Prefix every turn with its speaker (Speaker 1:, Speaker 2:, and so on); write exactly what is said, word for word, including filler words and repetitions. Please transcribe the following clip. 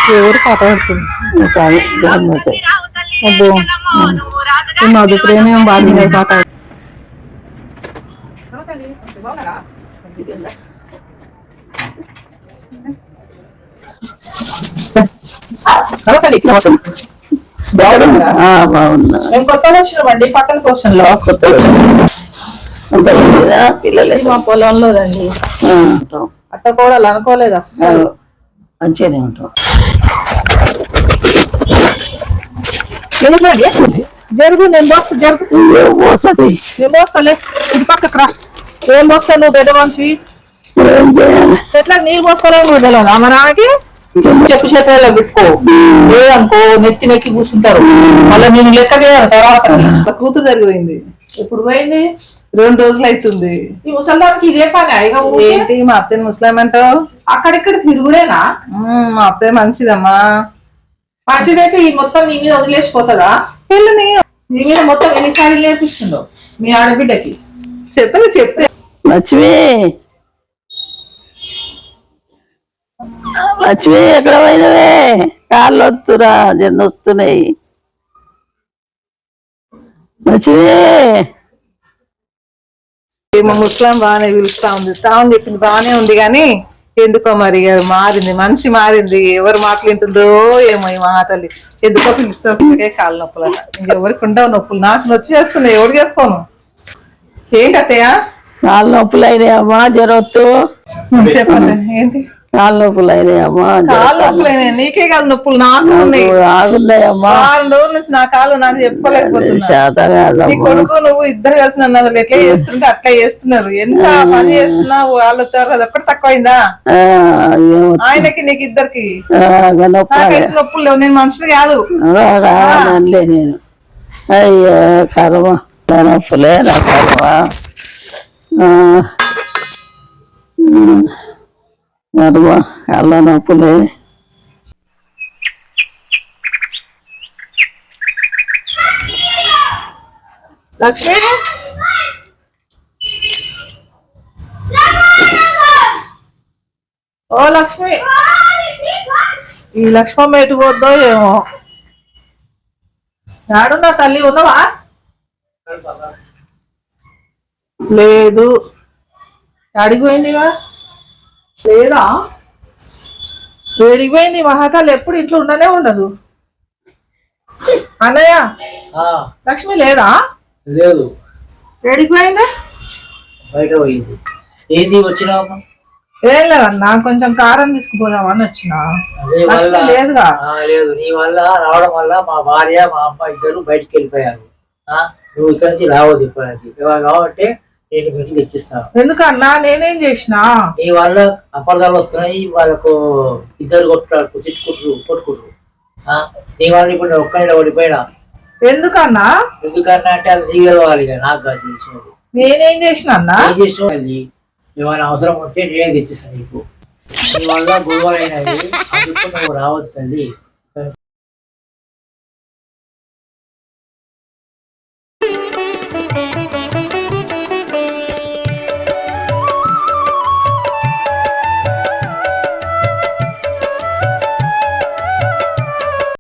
Speaker 1: ఎవరు పాట పాడుతుంది
Speaker 2: కాదు గమ్మతే.
Speaker 1: అబ్బో మధు ప్రేమ బాగా పాట
Speaker 2: బాగున్నా
Speaker 1: మేము కొత్తగా వచ్చినామండి పక్కన పోషన్ లో
Speaker 2: పిల్లలు
Speaker 1: మా పొలంలో రండి అత్త కూడా అనుకోలేదు అస్సలు
Speaker 2: మంచిగానే ఉంటాం.
Speaker 1: జరుగు నేను పోస్తా జరుగు
Speaker 2: పోస్తుంది
Speaker 1: నేను పోస్తాలే ఇది పక్కకు రా ఏం పోస్తా నువ్వు పెద్ద మనిషి చెట్లకు నీళ్ళు పోసుకోవాలని కూడా తెలియదు మా నాన్నకి చెప్పు చేతుల్లో పెట్టుకో లేదనుకో నెత్తి నెక్కి కూర్చుంటారు మళ్ళీ నేను లెక్క చేయాలి తర్వాత కూతురు జరిగిపోయింది ఎప్పుడు పోయింది రెండు రోజులు అవుతుంది ఈ ముసలిదానికి ఇదే పని అయిగా ఏంటి మా అత్తని ముసలాం అంటావు అక్కడిక్కడ తిరుగుడేనా మా అత్తయ్య మంచిదమ్మా మంచిదైతే ఈ మొత్తం నీ మీద వదిలేసిపోతుందా పిల్లని నీ మీద మొత్తం ఎన్నిసార్లు నేర్పిస్తుందో మీ ఆడబిడ్డకి చెప్పలే చెప్తే
Speaker 2: లక్ష్మి లక్ష్మి ఎక్కడ పోయినవే కాళ్ళు వస్తురా జన్న వస్తున్నాయి లక్ష్మి
Speaker 1: మా ముస్లాం బాగానే పిలుస్తా ఉంది తాను చెప్పింది బాగానే ఉంది కానీ ఎందుకో మరి మారింది మనిషి మారింది ఎవరు మాట్లాడుతుందో ఏమో ఈ మాటలు ఎందుకో పిలుస్తే కాళ్ళ నొప్పులు ఇంకెవరికి ఉండవు నొప్పులు నాకు వచ్చేస్తున్నాయి ఎవరు చెప్పుకోను ఏంటి అత్తయ్య
Speaker 2: కాళ్ళ నొప్పులు అయినాయమ్మా జరవద్దు
Speaker 1: చెప్పండి ఏంటి
Speaker 2: కాళ్ళ నొప్పులు అయినాయమ్మా
Speaker 1: కాళ్ళ నొప్పులు అయినాయి నీకే కాదు నొప్పులు నాకు ఉన్నాయి
Speaker 2: ఆగున్నాయమ్మా
Speaker 1: వారం రోజుల నుంచి నా కాళ్ళు నాకు చెప్పలేకపోతున్నా నీ కొడుకు నువ్వు ఇద్దరు కలిసి నన్ను అసలు ఎట్లా చేస్తుంటే అట్లా చేస్తున్నారు ఎంత పని చేస్తున్నావు వాళ్ళతో అది ఒక్కటి తక్కువైందా ఆయనకి నీకు ఇద్దరికి నాకైతే నొప్పులు లేవు నేను మనుషులు కాదు
Speaker 2: నేను అయ్యో కర్మ నా నొప్పులే నా కర్మ కర్మ కళ్ళ నొప్పులే
Speaker 1: లక్ష్మి ఓ లక్ష్మి ఈ లక్ష్మమ్మ ఎటు పోద్దో ఏమో నాడున్నా తల్లి ఉన్నావా లేదు అడిగిపోయిందివా లేదా వేడిపోయింది మహాతాలు ఎప్పుడు ఇంట్లో ఉండనే ఉండదు అన్నయ్య లక్ష్మి లేదా
Speaker 3: లేదు
Speaker 1: వేడిపోయిందా
Speaker 3: బయట పోయింది ఏంది వచ్చినా
Speaker 1: ఏం లేదన్నా కొంచెం కారం తీసుకుపోదామని వచ్చిన లేదుగా
Speaker 3: లేదు నీ వల్ల రావడం వల్ల మా భార్య మా అమ్మ ఇద్దరు బయటికి వెళ్ళిపోయారు నువ్వు ఇక్కడ నుంచి రావద్దు ఇక్కడ నుంచి కాబట్టి నేను మీటింగ్ ఇచ్చిస్తాను
Speaker 1: ఎందుకన్నా నేనేం చేసిన
Speaker 3: నీ వల్ల అపార్థాలు వస్తున్నాయి వాళ్ళకు ఇద్దరు కొట్టుకుంటారు తిట్టుకుంటారు కొట్టుకుంటారు నీ వల్ల ఇప్పుడు నేను ఒక్కడే ఓడిపోయినా
Speaker 1: ఎందుకన్నా
Speaker 3: ఎందుకన్నా అంటే అది నీ గెలవాలి నాకు కాదు తెలిసినది
Speaker 1: నేనేం చేసిన అన్నా
Speaker 3: ఏం చేసినది ఏమైనా అవసరం ఉంటే నేనే తెచ్చిస్తాను నీకు నీ వల్ల గొడవలు అయినాయి అందుకు నువ్వు రావద్దు తల్లి